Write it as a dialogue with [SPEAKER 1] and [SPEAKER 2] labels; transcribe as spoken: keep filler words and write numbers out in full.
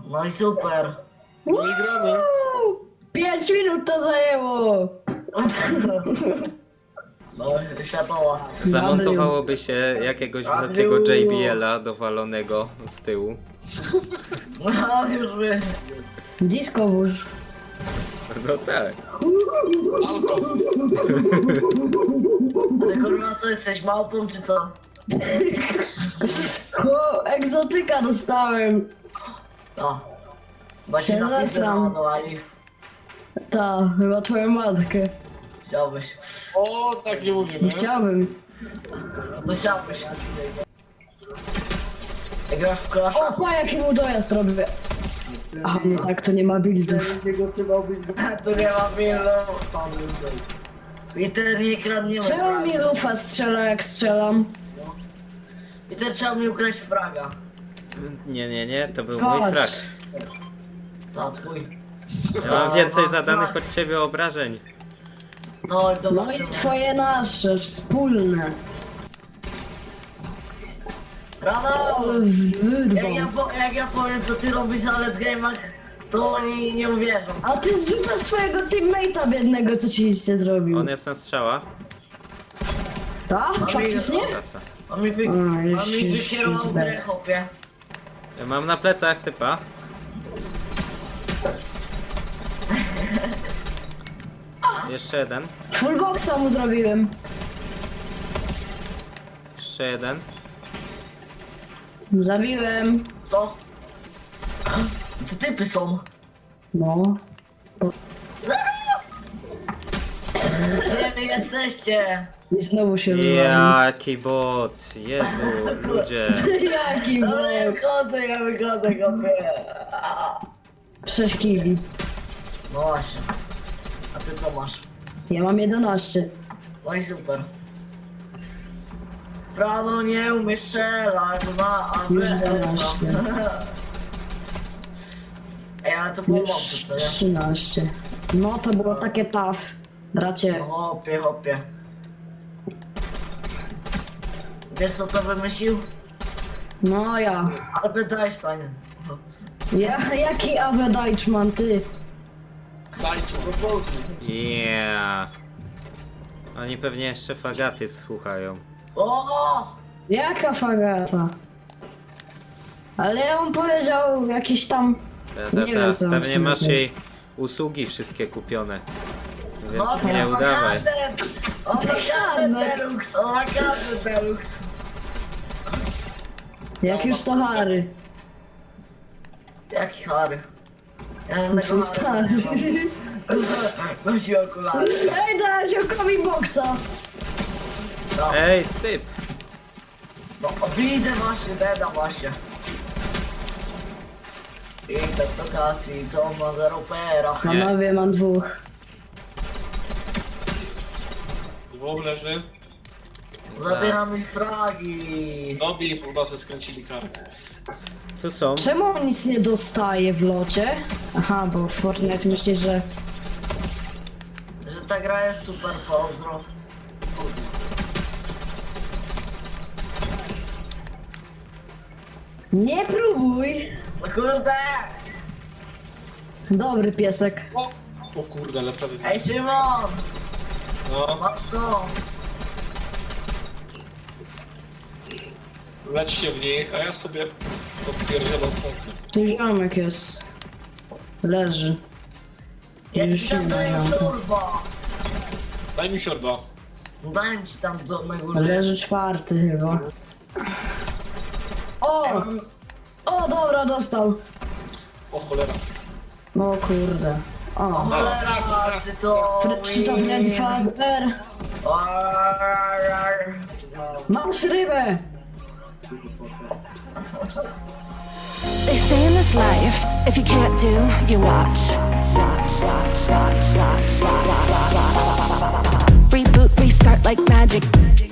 [SPEAKER 1] No i super.
[SPEAKER 2] No i gramy.
[SPEAKER 3] Pięć minut to zajęło.
[SPEAKER 1] No, światowa.
[SPEAKER 4] Zamontowałoby się jakiegoś wielkiego J B L-a dowalonego z tyłu.
[SPEAKER 1] No już wiem.
[SPEAKER 3] Disco wóz.
[SPEAKER 4] No tak.
[SPEAKER 1] Ty kurwa co, jesteś małpą czy co?
[SPEAKER 3] Chłop, egzotyka dostałem.
[SPEAKER 1] No. Bo
[SPEAKER 3] Się
[SPEAKER 1] się na pizę
[SPEAKER 3] zesram.
[SPEAKER 1] naładowali.
[SPEAKER 3] Ta, chyba twoją matkę.
[SPEAKER 1] Chciałbyś.
[SPEAKER 2] O, tak nie mówimy.
[SPEAKER 3] Chciałbym.
[SPEAKER 1] No to chciałbyś. Jak grasz w klasza?
[SPEAKER 3] O, pa, jaki mu dojazd robię. A, no tak, to nie ma buildów.
[SPEAKER 1] Tu nie ma milów. I ten nie kradniemy
[SPEAKER 3] Czemu
[SPEAKER 1] fraga.
[SPEAKER 3] mi lufa strzela, jak strzelam?
[SPEAKER 1] I ten trzeba mi ukraść fraga.
[SPEAKER 4] Nie, nie, nie, to był mój
[SPEAKER 3] Patrz.
[SPEAKER 4] frak.
[SPEAKER 1] To twój.
[SPEAKER 4] Ja mam więcej
[SPEAKER 1] no,
[SPEAKER 4] zadanych
[SPEAKER 1] frak.
[SPEAKER 4] od ciebie obrażeń.
[SPEAKER 1] No i
[SPEAKER 3] No
[SPEAKER 1] zobaczymy.
[SPEAKER 3] i twoje nasze, wspólne.
[SPEAKER 1] Rano!
[SPEAKER 3] Ale
[SPEAKER 1] Jak ja,
[SPEAKER 3] wyrwą.
[SPEAKER 1] po, jak ja powiem co ty robisz na Let's Game'ach, to oni nie uwierzą.
[SPEAKER 3] A ty zrzucasz swojego teammate'a biednego, co ci nie zrobił.
[SPEAKER 4] On jest na strzała.
[SPEAKER 3] Tak? Faktycznie?
[SPEAKER 4] Klasa.
[SPEAKER 1] On mi, wy,
[SPEAKER 3] A,
[SPEAKER 1] on
[SPEAKER 3] już
[SPEAKER 1] mi
[SPEAKER 3] się
[SPEAKER 1] wykierował
[SPEAKER 3] ślizga.
[SPEAKER 1] grę, chłopie.
[SPEAKER 4] Ja mam na plecach typa. Jeszcze jeden.
[SPEAKER 3] Full boxa mu zrobiłem.
[SPEAKER 4] Jeszcze jeden.
[SPEAKER 3] Zabiłem.
[SPEAKER 1] Co? To typy są.
[SPEAKER 3] No.
[SPEAKER 1] Gdzie wy jesteście?
[SPEAKER 3] I znowu się wyrwałem.
[SPEAKER 4] Jaki bot. Jezu, ludzie.
[SPEAKER 3] Jaki
[SPEAKER 1] No ja
[SPEAKER 3] bok.
[SPEAKER 1] wychodzę, ja wychodzę, chłopie.
[SPEAKER 3] Sześć kili.
[SPEAKER 1] No właśnie. A ty co masz?
[SPEAKER 3] Ja mam jedenaście.
[SPEAKER 1] No i super. Frano nie umiesz strzelać na A Z.
[SPEAKER 3] Już jedenaście.
[SPEAKER 1] Ej, ale to było
[SPEAKER 3] Już
[SPEAKER 1] mocne, co nie?
[SPEAKER 3] trzynaście. No to było takie tough. Bracie.
[SPEAKER 1] No hopie, hopie. Wiesz co to wymyślił?
[SPEAKER 3] No ja.
[SPEAKER 1] Albert Einstein.
[SPEAKER 3] Ja jaki Awe Deichmann, ty?
[SPEAKER 2] Dajcie go.
[SPEAKER 4] Yeah. Oni pewnie jeszcze fagaty słuchają.
[SPEAKER 1] O!
[SPEAKER 3] Jaka fagata? Ale on powiedział jakiś tam...
[SPEAKER 4] Ta, ta,
[SPEAKER 3] Nie wiem, co
[SPEAKER 4] ta.
[SPEAKER 3] on
[SPEAKER 4] Pewnie
[SPEAKER 3] sobie
[SPEAKER 4] masz
[SPEAKER 3] myśli.
[SPEAKER 4] jej usługi wszystkie kupione.
[SPEAKER 1] No,
[SPEAKER 4] Więc nie udawaj.
[SPEAKER 1] O ma kartę Deluxe, o ma kartę Deluxe.
[SPEAKER 3] Jak już to Harry.
[SPEAKER 1] Jaki Harry? Ja nie
[SPEAKER 3] Twój
[SPEAKER 1] tego
[SPEAKER 3] stary.
[SPEAKER 1] Harry. Nosi okulary.
[SPEAKER 3] Ej, dałeś okowi boksa.
[SPEAKER 1] No,
[SPEAKER 4] Ej, typ!
[SPEAKER 1] no widzę właśnie, Deda właśnie. I tak to Cassie, co on ma zero pera.
[SPEAKER 3] Panowie, mam dwóch.
[SPEAKER 2] Dwóch leży.
[SPEAKER 1] Zabieram ich fragi.
[SPEAKER 2] Dobi, chyba se skręcili kark.
[SPEAKER 4] Tu są.
[SPEAKER 3] Czemu on nic nie dostaje w locie? Aha, bo Fortnite myśli, że...
[SPEAKER 1] Że ta gra jest super, pozdro.
[SPEAKER 3] Nie próbuj!
[SPEAKER 1] No kurde!
[SPEAKER 3] Dobry piesek.
[SPEAKER 2] O! O kurde, ale prawie
[SPEAKER 1] Ej
[SPEAKER 2] zbił.
[SPEAKER 1] Szymon!
[SPEAKER 2] No,
[SPEAKER 1] Masz to!
[SPEAKER 2] leć się w nich, a ja sobie odpierdzielam słonkę.
[SPEAKER 3] Tu ziomek jest. Leży.
[SPEAKER 1] Ja
[SPEAKER 3] Już
[SPEAKER 1] ci tam
[SPEAKER 3] nie
[SPEAKER 1] daję
[SPEAKER 3] ma.
[SPEAKER 1] szurba!
[SPEAKER 2] Daj mi siorba.
[SPEAKER 1] Dałem ci tam do, na górze.
[SPEAKER 3] Leży czwarty chyba. O! O, dobra, dostał.
[SPEAKER 2] O cholera.
[SPEAKER 3] O kurde.
[SPEAKER 1] O
[SPEAKER 3] O.
[SPEAKER 1] cholera, ty to...
[SPEAKER 3] Przytopniaki Fazbear. Masz rybę!
[SPEAKER 5] They say in this life, if you can't do, you watch. Watch, watch, watch, watch, watch, watch, watch, watch, watch. Reboot, restart like magic.